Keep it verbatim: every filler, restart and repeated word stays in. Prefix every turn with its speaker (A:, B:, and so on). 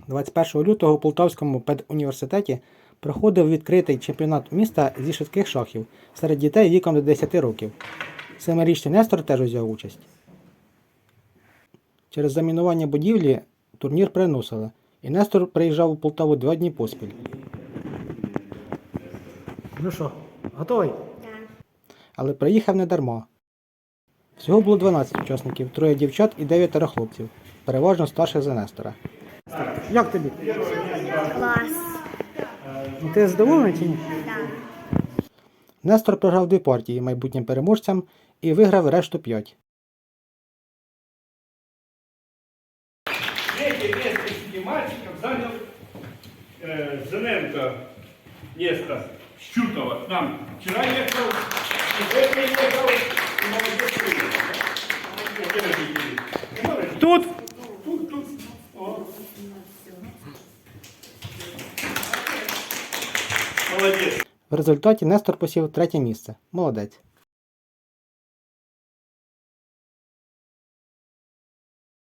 A: двадцять першого лютого у Полтавському педуніверситеті проходив відкритий чемпіонат міста зі швидких шахів серед дітей віком до десяти років. Семирічний Нестор теж взяв участь. Через замінування будівлі турнір переносили, і Нестор приїжджав у Полтаву два дні поспіль. Ну що, готовий?
B: Так.
A: Але приїхав не дарма. Всього було дванадцять учасників, троє дівчат і дев'ятеро хлопців, переважно старших за Нестора. Як тобі?
B: Клас.
A: Ну, ти задоволений чи ні?
B: Так.
A: Нестор програв дві партії майбутнім переможцям і виграв решту п'ять.
C: Третье место среди мальчиков занял э, Зененко Нестор Щутова. К нам вчера ехал, и сегодня ехал, и молодец приехал. Где родители? Тут? Тут, тут. О. Молодец.
A: В результаті Нестор посів третє місце. Молодець.